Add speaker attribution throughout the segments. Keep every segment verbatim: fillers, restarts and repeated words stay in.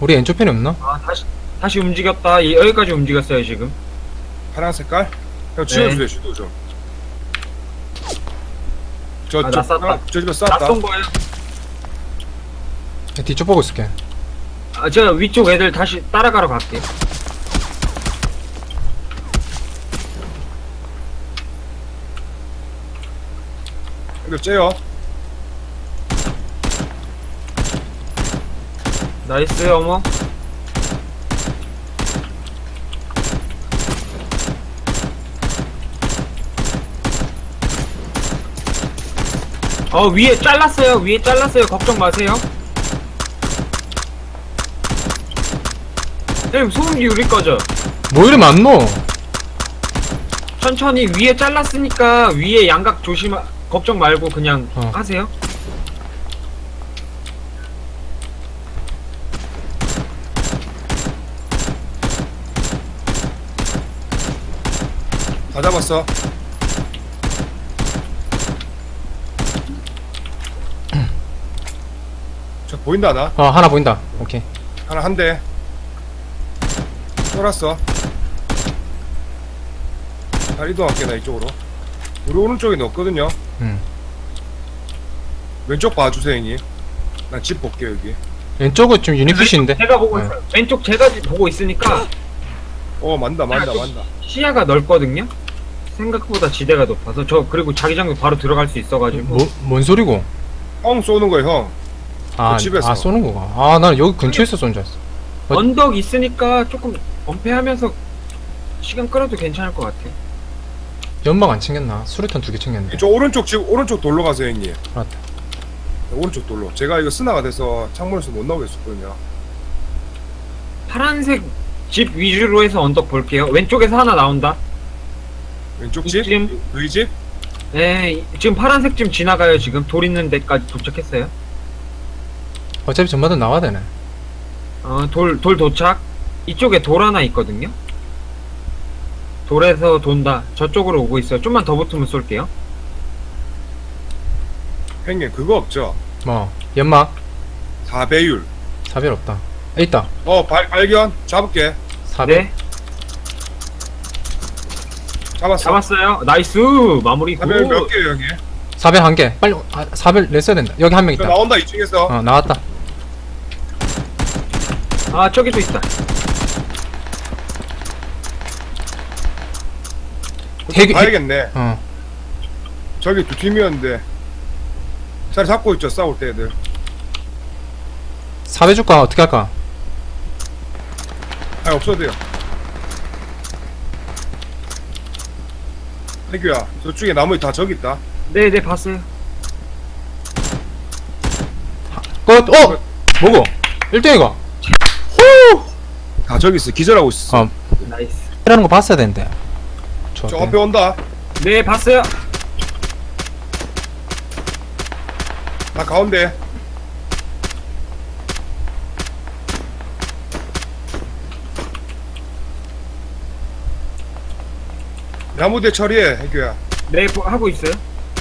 Speaker 1: 우리 왼쪽 편이 없나?
Speaker 2: 아 다시 다시 움직였다. 이- 여기까지 움직였어요 지금.
Speaker 3: 파란 색깔? 형 지워주세요 슈도 좀. 저,
Speaker 2: 아,
Speaker 3: 저,
Speaker 2: 나 쐈다.
Speaker 3: 아, 저 집에 쐈다.
Speaker 2: 낯선 거예요.
Speaker 1: 뒤쪽 보고 있을게.
Speaker 2: 아 제가 위쪽 애들 다시 따라가러 갈게요.
Speaker 3: 이거 째요.
Speaker 2: 나이스 어머. 어 위에 잘랐어요. 위에 잘랐어요. 걱정 마세요. 형님 소음기 우리 거죠?
Speaker 1: 뭐 이리 많노?
Speaker 2: 천천히 위에 잘랐으니까 위에 양각 조심 걱정 말고 그냥
Speaker 1: 어.
Speaker 2: 하세요.
Speaker 3: 다 잡았어. 저 보인다 하나?
Speaker 1: 어 하나 보인다. 오케이.
Speaker 3: 하나 한 대. 쏠았어. 잘 이동할게 나 이쪽으로. 우리 오른쪽에 넣었거든요.
Speaker 1: 음.
Speaker 3: 왼쪽 봐주세요 형님. 난 집 볼게 여기.
Speaker 1: 왼쪽은 좀 유니피시인데.
Speaker 2: 제가 보고
Speaker 1: 네.
Speaker 2: 있어요. 왼쪽 제가 지- 보고 있으니까
Speaker 3: 어 만다 만다 만다.
Speaker 2: 시야가 넓거든요. 생각보다 지대가 높아서 저 그리고 자기장도 바로 들어갈 수 있어가지고.
Speaker 1: 뭐, 뭔 소리고?
Speaker 3: 형 쏘는 거야 형.
Speaker 1: 아,
Speaker 3: 그 집에서.
Speaker 1: 아 쏘는 거가. 아, 나는 여기 근처에서 쏜 줄 알았어. 어.
Speaker 2: 언덕 있으니까 조금 엄폐하면서 시간 끌어도 괜찮을 것 같아요.
Speaker 1: 연막 안 챙겼나? 수류탄 두 개 챙겼는데.
Speaker 3: 저 오른쪽 집 오른쪽 돌로 가세요 형님.
Speaker 1: 알았다.
Speaker 3: 오른쪽 돌로. 제가 이거 스나가 돼서 창문에서 못 나오겠었거든요.
Speaker 2: 파란색 집 위주로 해서 언덕 볼게요. 왼쪽에서 하나 나온다.
Speaker 3: 왼쪽 집?
Speaker 2: 이쯤?
Speaker 3: 너희 집?
Speaker 2: 네, 이- 지금 파란색 집 지나가요. 지금 돌 있는 데까지 도착했어요.
Speaker 1: 어차피 전마다 나와야 되네.
Speaker 2: 어, 돌, 돌 도착. 이쪽에 돌 하나 있거든요. 돌에서 돈다. 저쪽으로 오고 있어요. 좀만 더 붙으면 쏠게요.
Speaker 3: 형님 그거 없죠?
Speaker 1: 뭐 연막
Speaker 3: 사 배율.
Speaker 1: 사별 없다. 아, 있다.
Speaker 3: 어 발, 발견. 잡을게.
Speaker 1: 사별.
Speaker 2: 네,
Speaker 3: 잡았어.
Speaker 2: 잡았어요. 나이스! 마무리 굿!
Speaker 3: 사 배율 몇 개요 형님?
Speaker 1: 사별 한 개. 빨리 아, 사별 냈어야 된다. 여기 한 명
Speaker 3: 저
Speaker 1: 있다.
Speaker 3: 나온다 이쪽에서.
Speaker 1: 어 나왔다.
Speaker 2: 아, 저기도 있다.
Speaker 1: 핵, 핵.
Speaker 3: 봐야겠네.
Speaker 1: 어.
Speaker 3: 저기 두 팀이었는데 자리 잡고 있죠 싸울 때 애들.
Speaker 1: 사별 줄까 어떻게 할까?
Speaker 3: 아니 없어도 돼요. 태규야 저쪽에 나머지 다 저기 있다.
Speaker 2: 네, 네, 봤어요.
Speaker 1: 끝. 어. 뭐고? 일 등이가. 후.
Speaker 3: 다 저기 있어. 기절하고 있어.
Speaker 1: 어.
Speaker 2: 나이스.
Speaker 1: 이라는 거 봤어야 되는데.
Speaker 3: 저
Speaker 1: 좋았대.
Speaker 3: 앞에 온다.
Speaker 2: 네, 봤어요.
Speaker 3: 나 가운데. 나무대 처리해 해규야.
Speaker 2: 네, 보- 하고 있어요.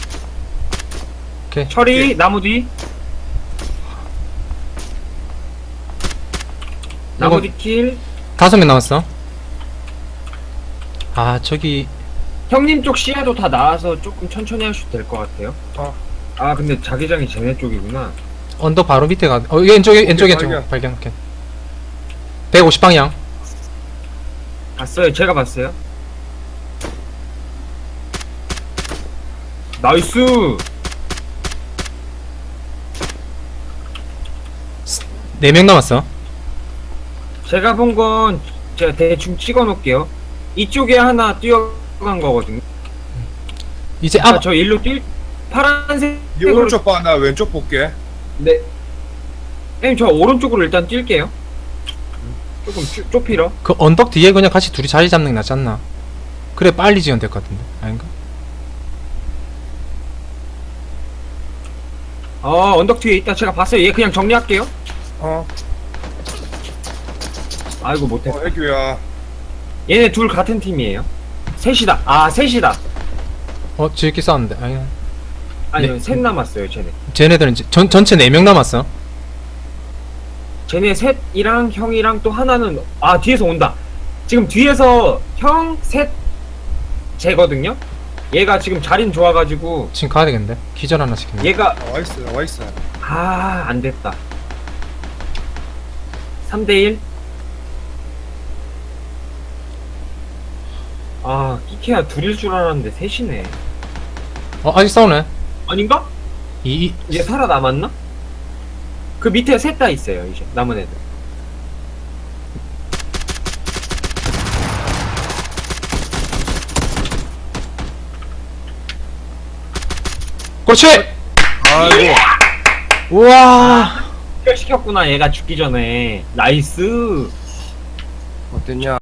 Speaker 1: 오케이.
Speaker 2: 처리,
Speaker 3: 오케이.
Speaker 2: 나무 뒤. 나무
Speaker 1: 이거-
Speaker 2: 뒤 킬.
Speaker 1: 다섯 명 남았어. 아 저기
Speaker 2: 형님 쪽 시야도 다 나와서 조금 천천히 하셔도 될 것 같아요.
Speaker 3: 어.
Speaker 2: 아, 근데 자기장이 쟤네 쪽이구나.
Speaker 1: 언덕 바로 밑에 가. 어 왼쪽에 왼쪽에
Speaker 3: 발견.
Speaker 1: 왼쪽 발견. 오케이. 백오십 방향.
Speaker 2: 봤어요. 제가 봤어요. 나이스!
Speaker 1: 네 명 남았어.
Speaker 2: 제가 본 건 제가 대충 찍어 놓을게요. 이쪽에 하나 뛰어간 거거든요.
Speaker 1: 이제
Speaker 2: 아,
Speaker 1: 앞
Speaker 2: 저 일로 뛸, 파란색.
Speaker 3: 네 오른쪽 봐. 나 왼쪽 볼게.
Speaker 2: 네. 형님, 저 오른쪽으로 일단 뛸게요. 조금 쭈, 좁히러.
Speaker 1: 그 언덕 뒤에 그냥 같이 둘이 자리 잡는 게 낫지 않나? 그래 빨리 지연 될 것 같은데 아닌가?
Speaker 2: 어, 언덕 뒤에 있다. 제가 봤어요. 얘 그냥 정리할게요.
Speaker 3: 어.
Speaker 2: 아이고, 못했어.
Speaker 3: 어 해규야.
Speaker 2: 얘네 둘 같은 팀이에요. 셋이다. 아, 셋이다.
Speaker 1: 어 지금 싸웠는데 아니
Speaker 2: 아니요,
Speaker 1: 네.
Speaker 2: 셋 남았어요, 쟤네.
Speaker 1: 쟤네들은 이제 전 전체 네 명 남았어.
Speaker 2: 쟤네 셋이랑 형이랑 또 하나는 아 뒤에서 온다. 지금 뒤에서 형, 셋, 쟤거든요. 얘가 지금 자리는 좋아가지고
Speaker 1: 지금 가야 되겠는데? 기절 하나 시키네.
Speaker 2: 얘가
Speaker 3: 나와있어 나와있어.
Speaker 2: 아 안됐다. 삼 대1. 아 끼케야 둘일 줄 알았는데 셋이네.
Speaker 1: 어, 아직 싸우네.
Speaker 2: 아닌가?
Speaker 1: 이, 이
Speaker 2: 이제 살아남았나? 그 밑에 셋 다 있어요 이제 남은 애들.
Speaker 1: 그렇지!
Speaker 3: 아이고.
Speaker 1: 우와!
Speaker 2: 시켰구나 얘가 죽기 전에. 나이스.
Speaker 3: 어땠냐?